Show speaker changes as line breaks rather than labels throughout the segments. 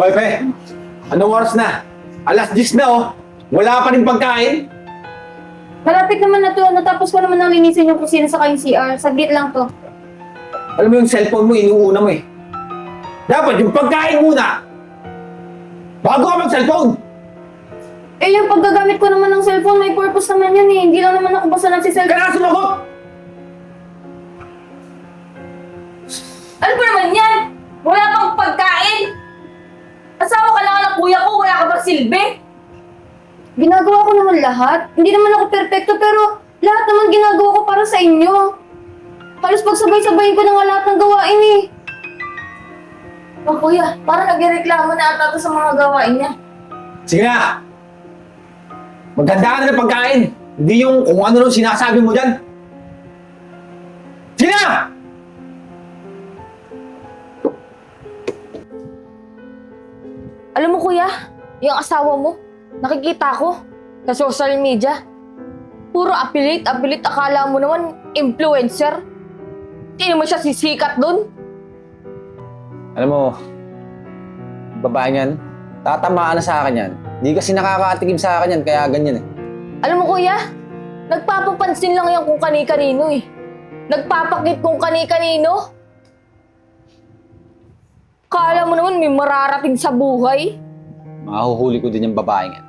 Hoy, Pe! Anong oras na? Alas 10 na, oh! Wala pa rin pagkain?
Malapit naman na to. Natapos ko naman nang linisin yung kusina sa kayong CR. Saglit lang to.
Alam mo yung cellphone mo, inuuna mo eh. Dapat yung pagkain muna! Bago ka mag-cellphone!
Eh, yung paggagamit ko naman ng cellphone, may purpose naman yan eh. Hindi lang naman ako basta nagsiselfone.
Kaya sumagot!
Ano ba naman yan? Wala pang pagkain! Asawa ka lang ng kuya ko, wala ka bang silbi? Ginagawa ko naman lahat. Hindi naman ako perpekto pero lahat naman ginagawa ko para sa inyo. Halos pagsabay-sabayin ko na nga lahat ng gawain eh. Oh kuya, parang nagreklamo na ata to sa mga gawain niya.
Sige na! Maganda ka na ng pagkain! Hindi yung kung ano nung sinasabi mo dyan! Sige na!
Alam mo kuya, yung asawa mo, nakikita ko sa social media. Puro affiliate, akala mo naman influencer. Hindi mo siya sisikat dun.
Alam mo, babae niyan, tatamaan na sa akin yan. Hindi kasi nakakatikim sa akin yan, kaya ganyan eh.
Alam mo kuya, nagpapapansin lang yan kung kani-kanino eh. Nagpapakit kung kani-kanino. Kala mo naman may mararating sa buhay.
Mahuhuli ko din yung babaeng yan.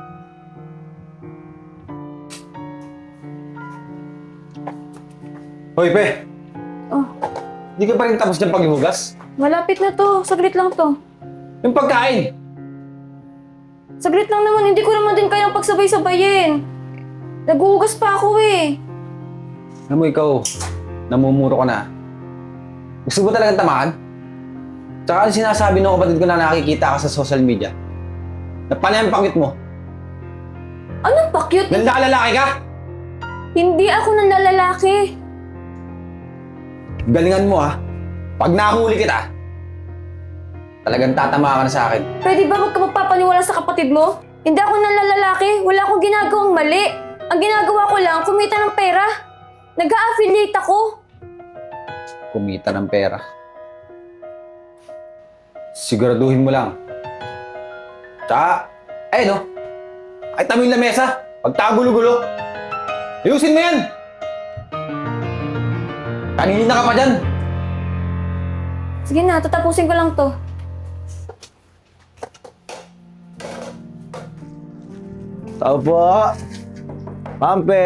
Hoy, Pe!
Oh,
Hindi ka pa rin tapos ng paghihugas?
malapit na to. Saglit lang to.
Yung pagkain!
Saglit lang naman, hindi ko naman din kayang pagsabay-sabayin. Naguhugas pa ako eh.
Alam mo, ikaw, namumuro ka na. Gusto mo talagang tamaan? Tsaka ang sinasabi ng kapatid ko na nakikita ka sa social media. Na pala yung pakit mo.
Anong pakyut?
Nanlalalaki ka?
Hindi ako nanlalalaki.
Galingan mo ha. Pag nahuli kita, talagang tatama ka na sa akin.
Pwede ba wag ka magpapaniwala sa kapatid mo? Hindi ako nanlalalaki. Wala akong ginagawang mali. Ang ginagawa ko lang, kumita ng pera. Nag-a-affiliate ako.
Kumita ng pera. Siguraduhin mo lang. Tsaka, no? Ay mo yung lamesa. Pagtagulo-gulo. Ayusin mo yan! Kanina ka pa dyan.
Sige na, tatapusin ko lang to.
Tao po. Pampe.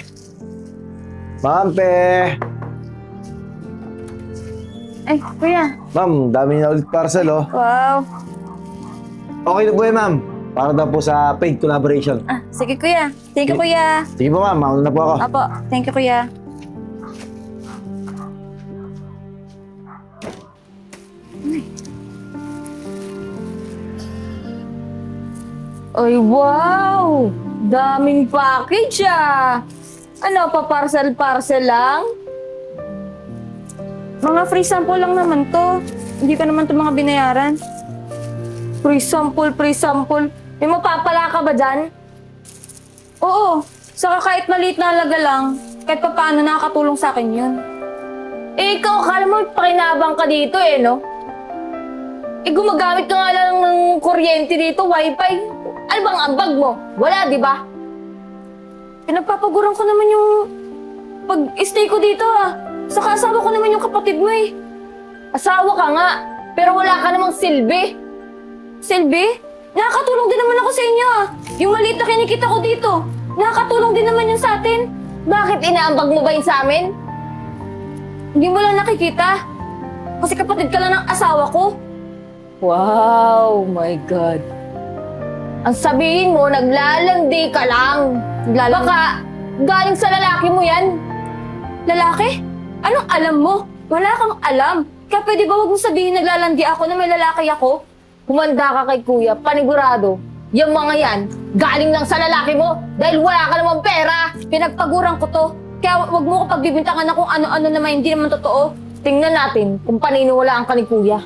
Pampe.
Ay, kuya.
Ma'am, dami na ulit parcel, oh.
Wow.
Okay na po eh, ma'am. Para daw po sa paid collaboration.
Ah, sige kuya. Thank you kuya.
Sige po, ma'am. Mauna na po ako.
Apo, thank you kuya. Ay, wow! Daming package ah! Ano, pa-parcel-parcel lang? Mga free sample lang naman to. Hindi ka naman to mga binayaran. Free sample, free sample. May mapapala ka ba dyan? Oo. Saka kahit maliit na halaga lang, kahit pa paano nakakatulong sa akin yun. Eh, ikaw, akala mo pakinabang ka dito eh, no? Eh, gumagamit ka nga lang ng kuryente dito, wifi. Ano bang ambag mo? Wala, di ba? Pinagpapaguran ko naman yung pag-stay ko dito ah. Saka asawa ko naman yung kapatid mo eh. Asawa ka nga, pero wala ka namang silbi. Silbi? Nakakatulong din naman ako sa inyo ah. Yung maliit na kinikita ko dito, nakakatulong din naman yun sa atin. Bakit inaambag mo ba yun sa amin? Hindi mo lang nakikita. Kasi kapatid ka lang ng asawa ko. Wow, my God. Ang sabihin mo, naglalandi ka lang. Baka galing sa lalaki mo yan. Lalaki? Anong alam mo? Wala kang alam. Kaya pwede ba huwag mo sabihin naglalandi ako na may lalaki ako? Humanda ka kay kuya, panigurado. Yung mga yan, galing lang sa lalaki mo dahil wala ka namang pera. Pinagpaguran ko to. Kaya wag mo ko pagbibintangan na kung ano-ano naman hindi naman totoo. Tingnan natin kung paniniwalaan ka ni kuya.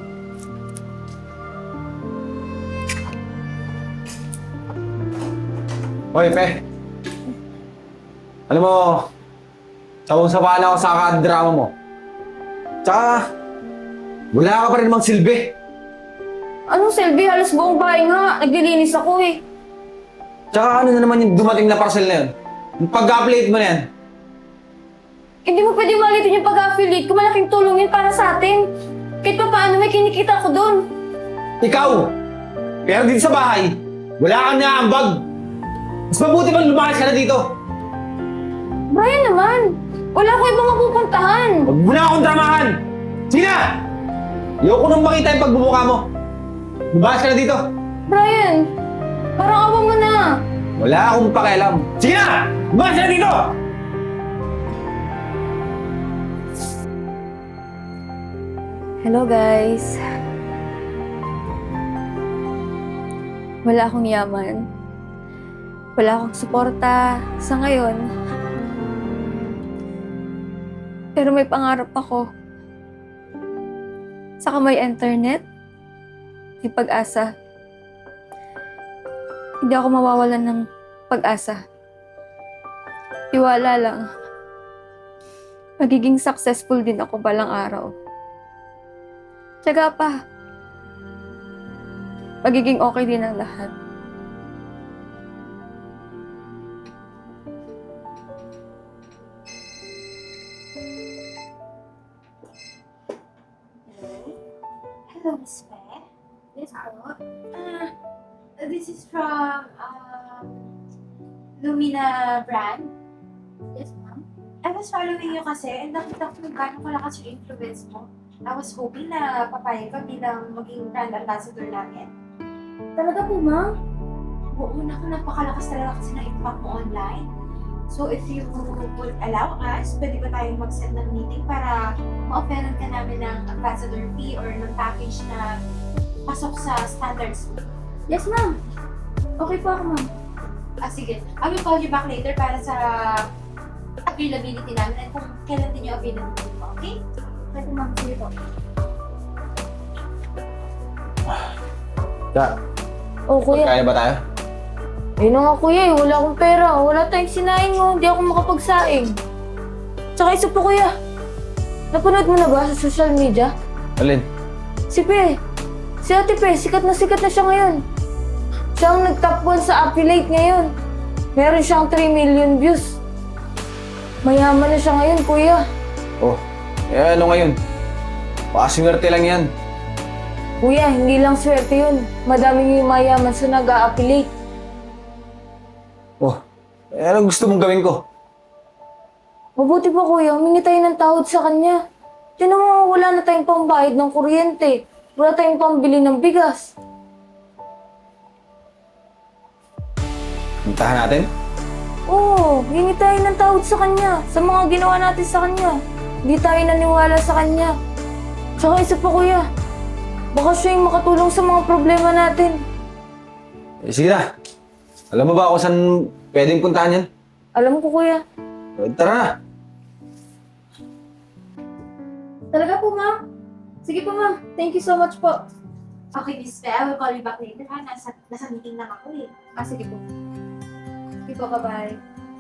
Hoy, Pe. Alam mo, sawang-sawa na ako sa drama mo. Tsaka, wala ka pa rin namang silbi.
Anong silbi? Halos buong bahay nga. Naglilinis ako eh.
Tsaka ano na naman yung dumating na parcel na yun? Yung pag-upload mo na yan.
Hindi mo pwede malitin yung pag-affiliate ko. Malaking tulong yun para sa atin. Kahit pa paano may kinikita ko doon.
Ikaw! Pero dito sa bahay, wala kang naambag. Mas mabuti bang lumakas ka na dito?
Brian naman. Wala ko ibang mapupuntahan.
Huwag mo na akong dramahan! Sige na! Ayoko nang makita yung pagbumuka mo. Lumakas ka na dito.
Brian, parang awa mo na.
Wala akong pakialam. Sige na! Lumakas ka na dito!
Hello guys. Wala akong yaman. Wala akong suporta sa ngayon. Pero may pangarap ako. Saka may internet. May pag-asa. Hindi ako mawawalan ng pag-asa. Tiwala lang. Magiging successful din ako balang araw. Tiyaga pa. Magiging okay din ang lahat.
Hello, Miss Fe. Yes po. This is from Lumina brand. Yes, ma'am. I was following you kasi and nakita ko kung gaano kalakas yung influence mo. I was hoping na papayag ka bilang maging brand ambassador namin.
Talaga po, ma'am?
Oo, napakalakas talaga kasi ng impact mo online. So if you would allow us, pwede ba tayong mag-set ng meeting para ma-offeran ka namin ng ambassador fee or ng package na pasok sa standards mo?
Yes, ma'am. Okay po ako, ma'am.
Sige. I will call you back later para sa availability namin and kung kailan din yung availability mo, okay?
Okay po, ma'am. Sige po. Oh, kuya.
Kaya ba tayo?
Ayun na nga, kuya eh. Wala akong pera. Wala tayong sinaing mo. Hindi ako makapagsaing. Tsaka isa po, kuya. Napanood mo na ba sa social media?
Alin?
Si Pe. Si Ate Pe. Sikat na siya ngayon. Siya ang nag-top 1 sa affiliate ngayon. Meron siyang 3 million views. Mayaman na siya ngayon, kuya.
Oh, ano ngayon? Pakaswerte lang yan.
Kuya, hindi lang swerte yun. Madaming yung mayaman sa nag-a-affiliate.
Oh, anong gusto mong gawin ko?
Mabuti pa, kuya. Humingi tayo ng tawad sa kanya. Tinan mo, wala na tayong pambayad ng kuryente. Wala tayong pambili ng bigas.
Puntahan natin?
Oo, hingi tayo ng tawad sa kanya. Sa mga ginawa natin sa kanya. Hindi tayo naniwala sa kanya. Tsaka isa pa, kuya. Baka siya yung makatulong sa mga problema natin.
Sige na. Alam mo ba kung saan pwedeng puntahan yan?
Alam ko, kuya.
Tara na.
Talaga po, ma'am. Sige po, ma'am. Thank you so much po.
Okay, Miss Fe, I will call you back later ha. Nasa meeting lang ako eh.
Sige po. Sige po, bye-bye.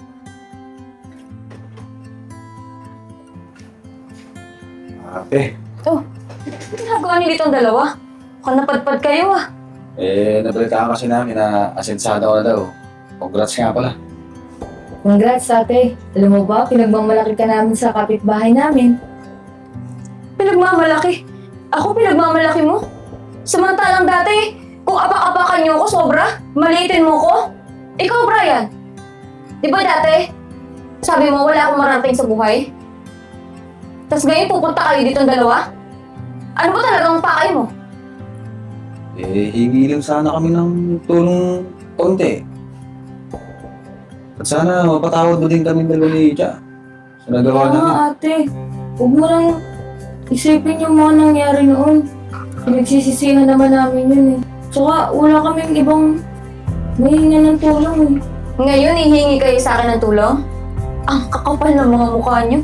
Okay.
Oh, ano ginagawa niyo dito ang dalawa? Mukhang napadpad kayo ah.
Nabalitaan kasi namin na asensado ko na daw. Congrats nga pala.
Congrats, ate. Alam mo ba, pinagmamalaki ka namin sa kapitbahay namin. Pinagmamalaki? Ako pinagmamalaki mo? Samantalang dati, kung abak-abakan niyo ako sobra, maliitin mo ko? Ikaw, Brian. Di ba dati, sabi mo wala akong marating sa buhay? Tapos ngayon pupunta kayo dito ang dalawa? Ano ba talagang pakay mo?
Hingi lang sana kami ng tulong konti. At sana mapatawad mo din kami dalawa ni Icha. Sa nagawa namin.
ate. Huwag mo lang isipin yung mga nangyari noon. Pinagsisisihan naman namin yun eh. Tsaka wala kaming ibang mahinga ng tulong eh. Ngayon, hihingi kayo sa akin ng tulong? Ang kakapal ng mga mukha niyo.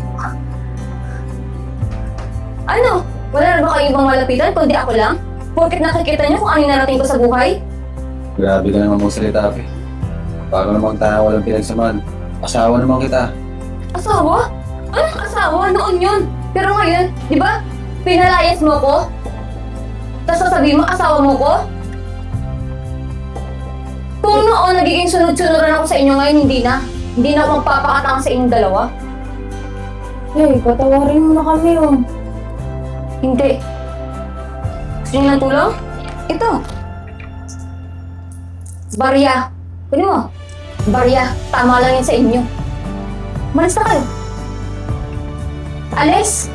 Ano? Wala na ba kayo ibang malapitan kundi ako lang? Porket nakikita niyo kung ano yung narating ko sa buhay?
Grabe ka naman mong salita, Pe. Paano namang tayo walang pinagsamahan? Asawa naman kita.
Asawa? Anong asawa? Noon yun. Pero ngayon, di ba? Pinalayas mo ko? Tapos sasabihin mo, asawa mo ko? Kung noon nagiging sunod-sunuran ako sa inyo, ngayon hindi na. Hindi na ako magpapakatang sa inyong dalawa. Hey, patawarin mo na kami, oh. Hindi. Gusto niyo ng tulong? Ito. Barya. Kunin mo. Barya. Tama lang yan sa inyo. Malis na kayo. Alis!